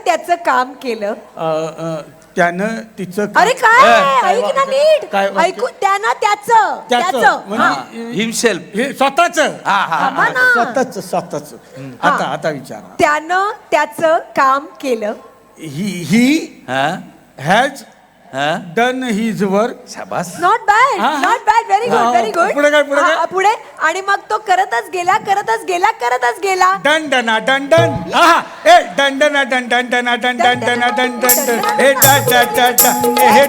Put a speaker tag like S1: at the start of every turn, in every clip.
S1: त्याचं काम केलं.
S2: त्यानं तिचं
S1: अरे काय ऐक ना नीट
S2: काय वाक्य?
S1: ऐकू त्यानं त्याचं
S2: त्याचं म्हणजे
S3: हिमसेल्फ.
S2: हे स्वतःच
S1: थांबा ना.
S2: स्वतःच आता विचारा.
S1: त्यानं त्याचं काम केलं.
S2: He has done his work.
S3: शाबास.
S1: नॉट बॅड
S2: हा.
S1: Not bad very good very good.
S2: पुढे काय?
S1: पुढे आणि मग तो करतच गेला
S2: डन डना डन डन ए डन डना डन डन डना डन डन डना डन डन डन हे हे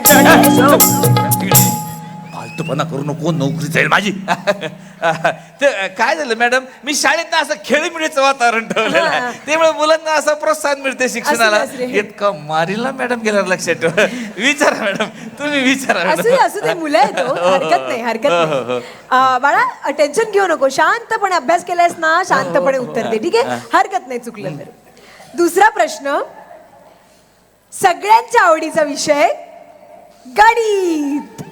S3: फालतूपणा करू नको, नोकरी जाईल माझी. ते काय झालं मॅडम, मी शाळेत असं खेळीमेळीचं वातावरण ठेवलेलं आहे, त्यामुळे मुलांना असं प्रोत्साहन मिळते शिक्षणाला.
S1: असू दे.
S3: इतकं मारीला मॅडम गेल्यावर लक्षात ठेवा. विचारा मॅडम, तुम्ही विचारा
S1: असू दे मुलं आहे तो, हरकत नाही. बाळा टेन्शन घेऊ नको, शांतपणे अभ्यास केलायस ना, शांतपणे उत्तर दे, ठीक आहे? हरकत नाही चुकलं तर. दुसरा प्रश्न, सगळ्यांच्या आवडीचा विषय गणित.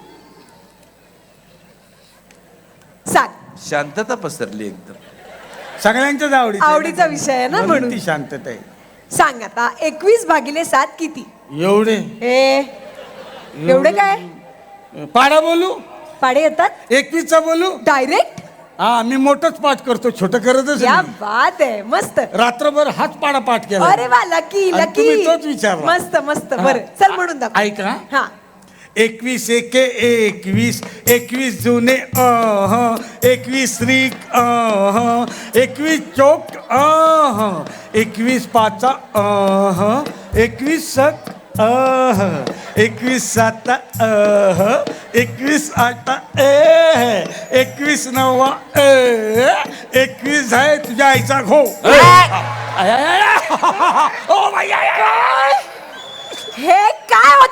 S1: सांग.
S3: शांतता पसरली एकदम.
S2: सगळ्यांच्याच
S1: आवडीचा विषय आहे ना, म्हणून
S2: ती शांतता आहे.
S1: सांग आता 21/7 किती?
S2: एवढे
S1: एवढे काय
S2: पाडा बोलू,
S1: पाडे येतात
S2: 21चा बोलू.
S1: डायरेक्ट?
S2: हा, मी मोठंच पाठ करतो, छोटं करतच
S1: क्या
S2: नाही.
S1: बात आहे, मस्त.
S2: रात्रभर हाच पाडा पाठ केला.
S1: अरे वा, लकी
S2: आणि
S1: लकी.
S2: तुम्ही तोच विचारला.
S1: मस्त मस्त. बरं चल म्हणून दाखव.
S2: ऐका.
S1: हा
S2: 21 एके 21, 21 जुने 21 श्रीक 21 चोक 21 पाचा 21 सत 21 साता 21 आटा 21 नवा 21 आहे तुझ्या आईचा घो.
S1: हे काय